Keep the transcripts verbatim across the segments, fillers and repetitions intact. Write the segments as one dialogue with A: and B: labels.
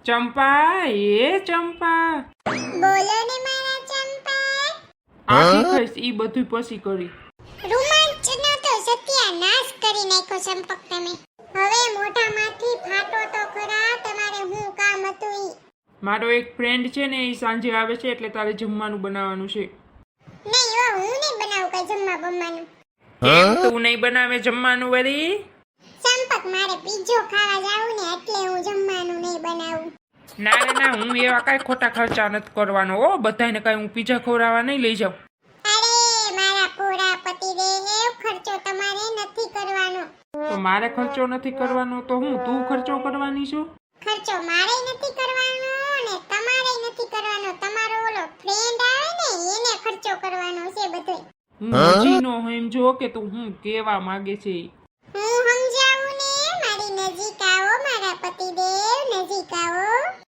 A: ચંપા, એ ચંપા,
B: બોલો ને મારા ચંપા.
A: આખી ખાઈશ ઈ બધું પછી કરી.
B: રોમાંચનો તો સત્યાનાશ કરી નાખ્યો ચંપક તમે. હવે મોઢામાંથી ફાટો તો ખરા, તમારે હું કામ હતું ઈ?
A: મારો એક ફ્રેન્ડ છે ને, એ સાંજે આવે છે એટલે તારે જમવાનું બનાવવાનું છે.
B: નહીં હો, હું નહીં બનાવું કઈ જમવા બમવાનું.
A: કેમ તું નહીં બનાવે જમવાનું વળી?
B: ચંપક, મારે પીઝો ખાવા જાવું ને એટલે હું જમવાનું નહીં બનાવું.
A: ના રે ના, હું એવા કાંઈ ખોટા ખર્ચા નથી કરવાનો હો. બધાને કાંઈ હું પીઝા ખવડાવવા નહીં લઈ જાઉં.
B: અરે મારા પૂરા પતિદેવ, ખર્ચો તમારે નથી કરવાનો.
A: તો મારે ખર્ચો નથી કરવાનો તો હું તું ખર્ચો કરવાની છું?
B: ખર્ચો મારે નથી કરવાનો ને તમારે નથી કરવાનો. તમારો ઓલો ફ્રેન્ડ આવે ને એને ખર્ચો કરવાનો છે બધો.
A: હું હજી નો સમજો કે તું હું કેવા માંગે છે.
B: હું સમજાવું ને, મારી નજીક આવો મારા પતિદેવ, નજીક આવો.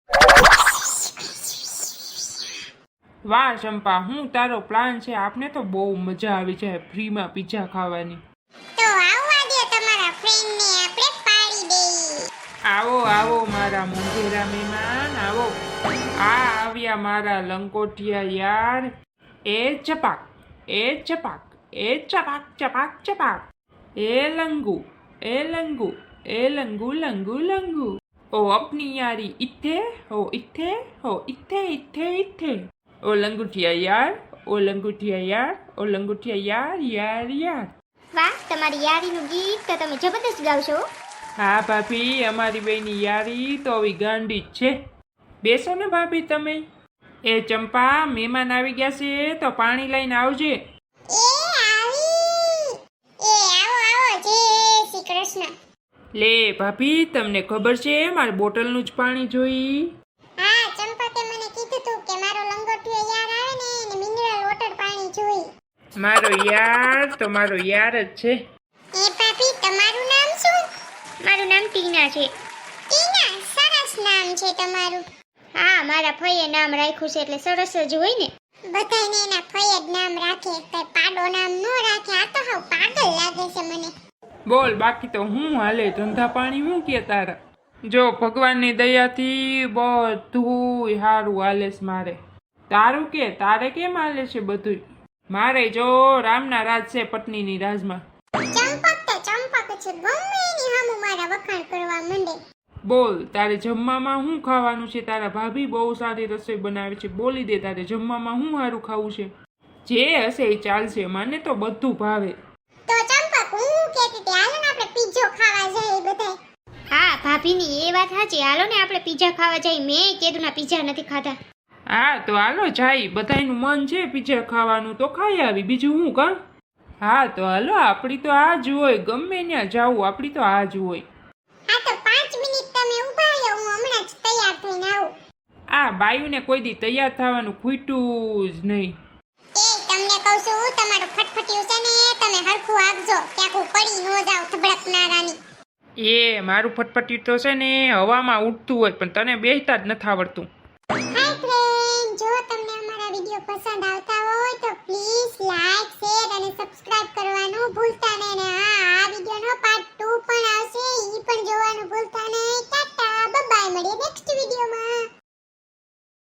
A: વાહ ચંપા, હું તારો પ્લાન છે. આપને તો બહુ મજા આવી જાય ફ્રીમાં પીઝા ખાવાની.
B: તો આવવા દે તમારા ફ્રેન્ડ ને, આપણે પાડી દઈએ.
A: આવો આવો મારા મોંઘેરા મહેમાન, આવો. આ આવ્યા મારા લંકોટિયા યાર. એ ચપાક, એ ચપાક, એ ચપાક ચપાક ચપાક. એ લંગુ, એ લંગુ, એ લંગુ લંગુ લંગુ. ઓ અપની યારી ઇથે, ઓ ઇથે, ઓ ઇથે ઇથે ઇથે. ઓ લંગુટિયા યાર, ઓ લંગુટિયા યાર, ઓ લંગુટિયા યાર યાર યાર.
B: વાહ, તમારી યારીનું ગીત તો તમે જબરદસ્ત ગાવશો.
A: હા ભાભી, અમારી બેની યારી તો આવી ગાંડી જ છે. બેસો ને ભાભી તમે. એ ચંપા, મહેમાન આવી ગયા છે તો પાણી લઈને આવજે.
B: એ આવી. એ આવો આવો, જય શ્રી કૃષ્ણ.
A: લે ભાભી, તમને ખબર છે મારે બોટલનું જ પાણી જોઈ.
B: હા, ચંપકે મને કીધું તું કે મારો લંગોટિયો યાર આવે ને એને મિનરલ વોટર પાણી જોઈ.
A: મારો યાર તો મારો યાર જ છે.
B: એ ભાભી, તમારું નામ શું? મારું નામ ટીના છે. ટીના, સરસ નામ છે તમારું. હા, મારા ફઈએ નામ રાખ્યું છે એટલે સરસ જ હોય ને. બધાને એના ફઈએ જ નામ રાખે, કઈ પાડો નામ ન રાખે. આ તો હાવ પાગલ લાગે છે મને.
A: બોલ, બાકી તો હું હાલે ધંધા પાણી હું કે તારા? જો ભગવાનની દયાથી બધું સારું હાલે છે મારે. તારું કે, તારે કેમ હાલે છે બધું? મારે જો રામના રાજ છે પત્નીની રાજમાં.
B: ચંપક તો ચંપક છે, ગમે એની સામું મારા વખાણ કરવા માંડે.
A: બોલ, તારે જમવામાં શું ખાવાનું છે? તારા ભાભી બહુ સારી રસોઈ બનાવે છે. બોલી દે, તારે જમવામાં શું સારું ખાવું છે? જે હશે એ ચાલશે, મને તો બધું ભાવે.
B: તો ચંપક, હું કહેતી હતી હાલો ને આપણે પીઝો ખાવા જઈએ બધાય. હા ભાભીની એ વાત સાચી, હાલો ને આપણે પીઝા ખાવા જઈએ. મેં કેદુના પીઝા નથી ખાધા.
A: હા તો હાલો જાય, બધાયનું મન છે પીઝા ખાવાનું તો ખાઈ આવી, બીજું હું કાં? હા તો હાલો, આપણી તો આ જ હોય, ગમે ત્યાં જાવું આપણી તો આ જ હોય.
B: હા તો પાંચ મિનિટ તમે ઊભા રહ્યો, હું હમણાં જ તૈયાર થઈને આવું.
A: આ બાયુને કોઈ દી તૈયાર થવાનું ખૂટ્યું જ નહીં.
B: એ તમને કહું છું, તમારું ફટફટિયું છે ને તમે હરખું આપજો, ક્યાંક હું પડી ન જાવ ધબડકનારાની.
A: એ મારું ફટફટી તો છે ને હવામાં ઉડતું હોય પણ તને બેસતા જ નથી આવડતું.
B: હાય ફ્રેન્ડ, જો તમને અમારા વિડીયો પસંદ આવતા હોય તો પ્લીઝ લાઈક, શેર અને સબસ્ક્રાઇબ કરવાનું ભૂલતા નહીં ને